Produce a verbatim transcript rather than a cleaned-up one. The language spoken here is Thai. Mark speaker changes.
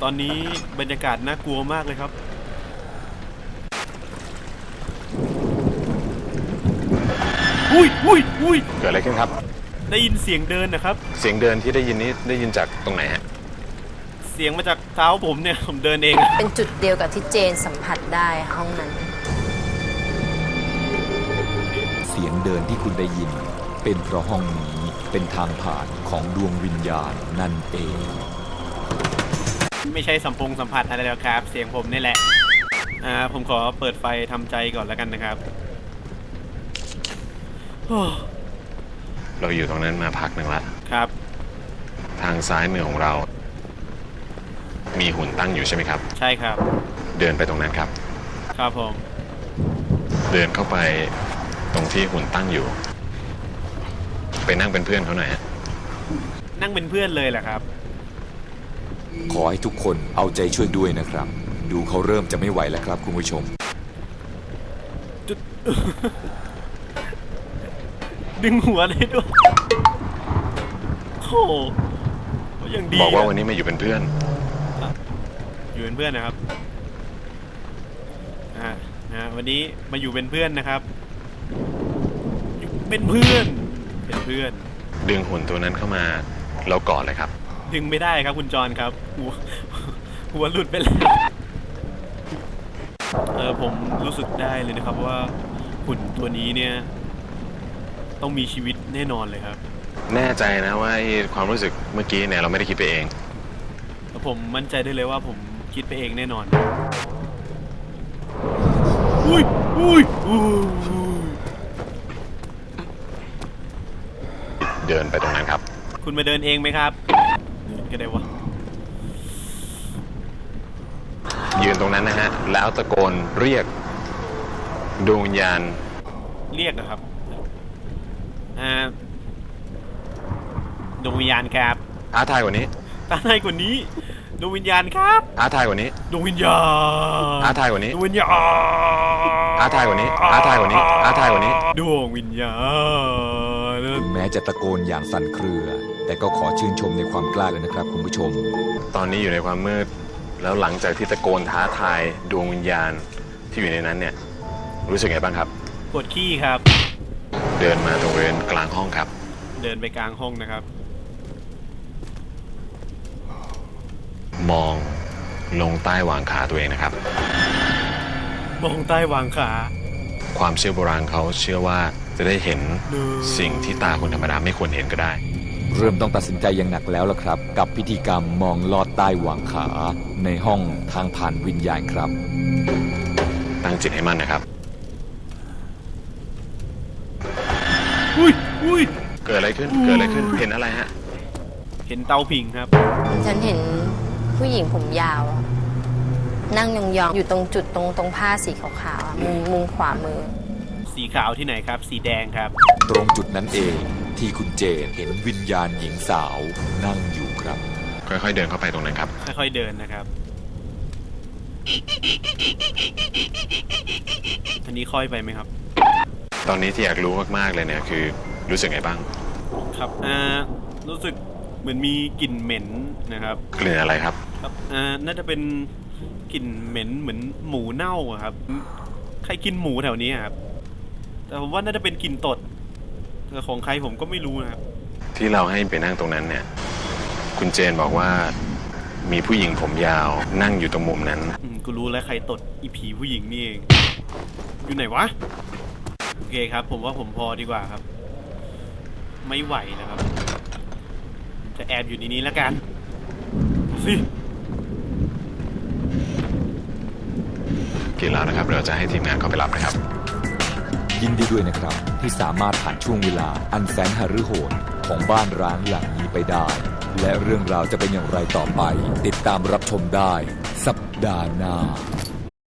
Speaker 1: ตอนนี้บรรยากาศน่ากลัวมากเลยครับอุ้ยอุ้ยอุ้ย
Speaker 2: เกิดอะไรขึ้นครับ
Speaker 1: ได้ยินเสียงเดินนะครับ
Speaker 2: เสียงเดินที่ได้ยินนี้ได้ยินจากตรงไหนฮะ
Speaker 1: เสียงมาจากเท้าผมเนี่ยผมเดินเอง
Speaker 3: เป็นจุดเดียวกับที่เจนสัมผัสได้ห้องนั้น
Speaker 4: เสียงเดินที่คุณได้ยินเป็นเพราะห้องนี้เป็นทางผ่านของดวงวิญญาณนั่นเอง
Speaker 1: ไม่ใช่สัมพงสัมผัสอะไรแล้วครับเสียงผมนี่แหละอ่าผมขอเปิดไฟทำใจก่อนแล้วกันนะครับ
Speaker 2: เราอยู่ตรงนั้นมาพักหนึ่งละ
Speaker 1: ครับ
Speaker 2: ทางซ้ายมือของเรามีหุ่นตั้งอยู่ใช่ไหมครับ
Speaker 1: ใช่ครับ
Speaker 2: เดินไปตรงนั้นครับ
Speaker 1: ครับผม
Speaker 2: เดินเข้าไปตรงที่หุ่นตั้งอยู่ไปนั่งเป็นเพื่อนเขาหน่อยฮะ
Speaker 1: นั่งเป็นเพื่อนเลยแหละครับ
Speaker 4: ขอให้ทุกคนเอาใจช่วยด้วยนะครับดูเขาเริ่มจะไม่ไหวแล้วครับคุณผู้ชม
Speaker 1: ดึงหัวได้ด้วยโอ้ยังดี
Speaker 2: บอกว่าวันนี้มาอยู่เป็นเพื่อน
Speaker 1: อยู่เป็นเพื่อนนะครับอ่านะวันนี้มาอยู่เป็นเพื่อนนะครับเป็นเพื่อนเป็นเพื่อน
Speaker 2: ดึงหุ่นตัวนั้นเข้ามาเรากอดเลยครับ
Speaker 1: ดึงไม่ได้ครับคุณจรครับหัวหัวหลุดไปแล้วเออผมรู้สึกได้เลยนะครับว่าหุ่นตัวนี้เนี่ยต้องมีชีวิตแน่นอนเลยครับ
Speaker 2: แน่ใจนะว่าความรู้สึกเมื่อกี้เนี่ยเราไม่ได้คิดไปเอง
Speaker 1: ผมมั่นใจได้เลยว่าผมคิดไปเองแน่นอนอุ้ยอุ้ย
Speaker 2: เดินไปตรงนั้นครับ
Speaker 1: คุณมาเดินเองไหมครับก็ได้วะ
Speaker 2: ยืนตรงนั้นนะฮะแล้วตะโกนเรียกดวงวิญญาณ
Speaker 1: เรียกนะครับอ่าดวงวิญญาณครับ
Speaker 2: ท้าทายกว่านี้
Speaker 1: ท้าทายกว่านี้ดวงวิญญาณครับ
Speaker 2: ท้าทายกว่านี้
Speaker 1: ดวงวิญญาณ
Speaker 2: ท้าทายกว่านี้
Speaker 1: ดวงวิญญาณ
Speaker 2: ท้าทายกว่านี้ท้าทายกว่านี้ท้าทายกว่านี้
Speaker 1: ดวงวิญญาณ
Speaker 4: ถึงแม้จะตะโกนอย่างสั่นเครือแต่ก็ขอชื่นชมในความกล้าเลยนะครับคุณผู้ชม
Speaker 2: ตอนนี้อยู่ในความมืดแล้วหลังจากที่ตะโกนท้าทายดวงวิญญาณที่อยู่ในนั้นเนี่ยรู้สึกไงบ้างครับ
Speaker 1: ปวดขี้ครับ
Speaker 2: เดินมาตรงบริเวณกลางห้องครับ
Speaker 1: เดินไปกลางห้องนะครับ
Speaker 2: มองลงใต้หว่างขาตัวเองนะครับ
Speaker 1: มองใต้หว่างขา
Speaker 2: ความเชื่อโบราณเขาเชื่อว่าจะได้เห็นสิ่งที่ตาคนธรรมดาไม่ควรเห็นก็ได้
Speaker 4: เริ่มต้องตัดสินใจอย่างหนักแล้วล่ะครับกับพิธีกรรมมองลอดใต้หว่างขาในห้องทางผ่านวิญญาณครับ
Speaker 2: ตั้งจิตให้มั่นนะครับ
Speaker 1: อุ้ยอุ้ย
Speaker 2: เกิดอะไรขึ้นเกิดอะไรขึ้นเห็นอะไรฮะ
Speaker 1: เห็นเตาผิงครับ
Speaker 3: ฉันเห็นผู้หญิงผมยาวนั่งยองๆอยู่ตรงจุดตรงตรงผ้าสีขาวๆมุมมุมขวามือ
Speaker 1: สีขาวที่ไหนครับสีแดงครับ
Speaker 4: ตรงจุดนั้นเองที่คุณเจนเห็นวิญญาณหญิงสาวนั่งอยู่ครับ
Speaker 2: ค่อยๆเดินเข้าไปตรงนั้นครับ
Speaker 1: ค่อยๆเดินนะครับอันนี้ค่อยไปไหมครับ
Speaker 2: ตอนนี้ที่อยากรู้มากๆเลยเนี่ยคือรู้สึกไงบ้าง
Speaker 1: ครับอ่ารู้สึกเหมือนมีกลิ่นเหม็นนะครับ
Speaker 2: กลิ่นอะไรครับ
Speaker 1: ครับอ่าน่าจะเป็นกลิ่นเหม็นเหมือนหมูเน่าครับใครกินหมูแถวนี้ครับแต่ผมว่าน่าจะเป็นกลิ่นตดแต่ของใครผมก็ไม่รู้นะครับ
Speaker 2: ที่เราให้ไปนั่งตรงนั้นเนี่ยคุณเจนบอกว่ามีผู้หญิงผมยาวนั่งอยู่ตรงมุมนั้น
Speaker 1: กูรู้แล้วใครตดอีผีผู้หญิงนี่เองอยู่ไหนวะโอเคครับผมว่าผมพอดีกว่าครับไม่ไหวนะครับจะแอบอยู่ในนี้แล้วกันสิ
Speaker 2: กินแล้วนะครับเราจะให้ทีมงานเข้าไปรับนะครับ
Speaker 4: ยินดีด้วยนะครับที่สามารถผ่านช่วงเวลาอันแสนหฤโหดของบ้านร้างหลังนี้ไปได้และเรื่องราวจะเป็นอย่างไรต่อไปติดตามรับชมได้สัปดาห์หน้า